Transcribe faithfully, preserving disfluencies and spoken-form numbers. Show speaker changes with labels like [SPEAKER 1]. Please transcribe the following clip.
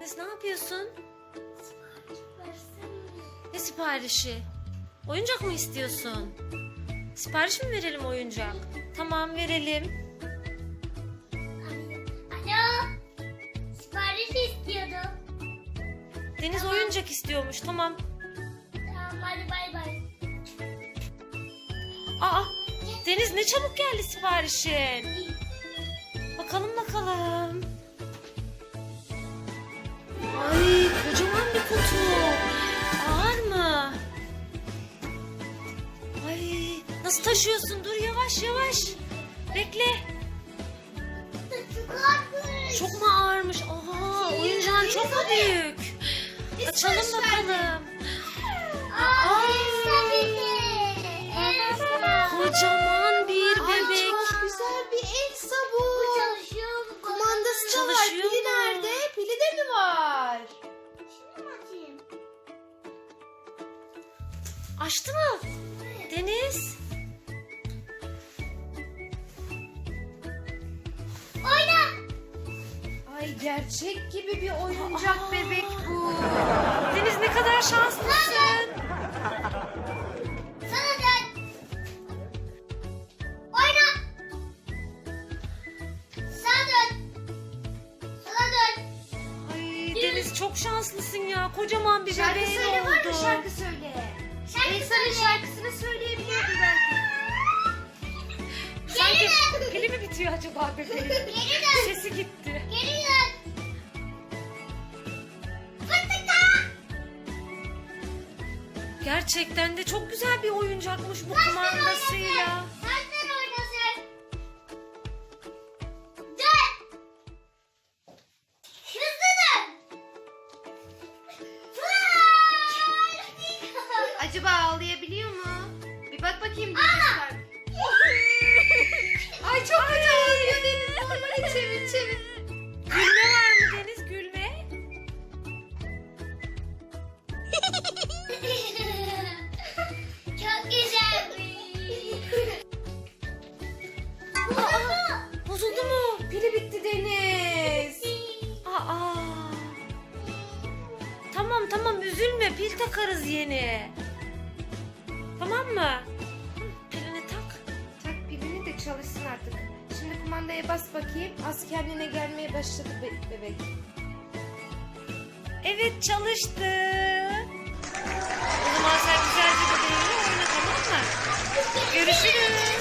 [SPEAKER 1] Deniz ne yapıyorsun? Ne siparişi? Oyuncak mı istiyorsun? Sipariş mi verelim oyuncak? Tamam verelim.
[SPEAKER 2] Alo. Sipariş istiyordum.
[SPEAKER 1] Deniz
[SPEAKER 2] Tamam.
[SPEAKER 1] oyuncak istiyormuş. Tamam.
[SPEAKER 2] Tamam hadi bay bay.
[SPEAKER 1] Aa, Deniz ne çabuk geldi siparişin. Bakalım bakalım. Ay kocaman bir kutu. Ağır mı? Ay nasıl taşıyorsun? Dur yavaş yavaş. Bekle.
[SPEAKER 2] Çok ağırmış.
[SPEAKER 1] Çok mu ağırmış? Aha oyuncağın çok mu büyük? Açalım bakalım.
[SPEAKER 2] Aa, Elsa beni. Elsa.
[SPEAKER 1] Kocaman bir
[SPEAKER 3] Ay
[SPEAKER 1] bebek.
[SPEAKER 3] çok güzel bir Elsa bu.
[SPEAKER 2] Bu çalışıyor mu?
[SPEAKER 3] Kumandası da var.
[SPEAKER 1] Çalışıyor
[SPEAKER 3] Pili
[SPEAKER 1] mu?
[SPEAKER 3] nerede? Pili de mi var?
[SPEAKER 2] Şimdi mi açayım?
[SPEAKER 1] Açtı mı? Deniz.
[SPEAKER 2] Oyna.
[SPEAKER 3] Ay gerçek gibi bir oyuncak
[SPEAKER 1] Aa.
[SPEAKER 3] bebek bu.
[SPEAKER 1] Deniz ne kadar şanslısın.
[SPEAKER 2] Sana dön. Oyna. Sana dön. Sana dön.
[SPEAKER 1] Ay Deniz çok şanslısın ya. Kocaman bir
[SPEAKER 3] Şarkı
[SPEAKER 1] bebeğin
[SPEAKER 3] söyle
[SPEAKER 1] oldu.
[SPEAKER 3] var mı? Şarkı söyle.
[SPEAKER 2] Şarkı
[SPEAKER 3] Elsa'nın
[SPEAKER 2] söyle.
[SPEAKER 3] şarkısını söyleyebiliyordu belki.
[SPEAKER 1] Sanki
[SPEAKER 2] Geri dön.
[SPEAKER 1] pili mi bitiyor acaba bebeğin?
[SPEAKER 2] Geri dön.
[SPEAKER 1] Sesi gitti.
[SPEAKER 2] Geri dön. Fırtıka.
[SPEAKER 1] Gerçekten de çok güzel bir oyuncakmış bu kumandasıyla.
[SPEAKER 2] Senden oynasın. Dön. Hızlı dön. Fırtıka.
[SPEAKER 3] Acaba ağlayabiliyor mu? Bir bak bakayım.
[SPEAKER 2] Aa!
[SPEAKER 3] Ay çok kötü ağlıyor Deniz. Normali çevir çevir.
[SPEAKER 1] Gülme var mı Deniz? Gülme.
[SPEAKER 2] Çok güzelmiş.
[SPEAKER 1] Aa, bozuldu mu?
[SPEAKER 3] Pili bitti Deniz.
[SPEAKER 1] Aa. Tamam tamam üzülme. Pil takarız yeni. Tamam mı? Hı, pilini tak.
[SPEAKER 3] Tak pilini de çalışsın artık. Şimdi kumandaya bas bakayım. Az kendine gelmeye başladı be- bebek.
[SPEAKER 1] Evet çalıştı. O zaman sen güzelce bebeğinle oyna tamam mı? Görüşürüz.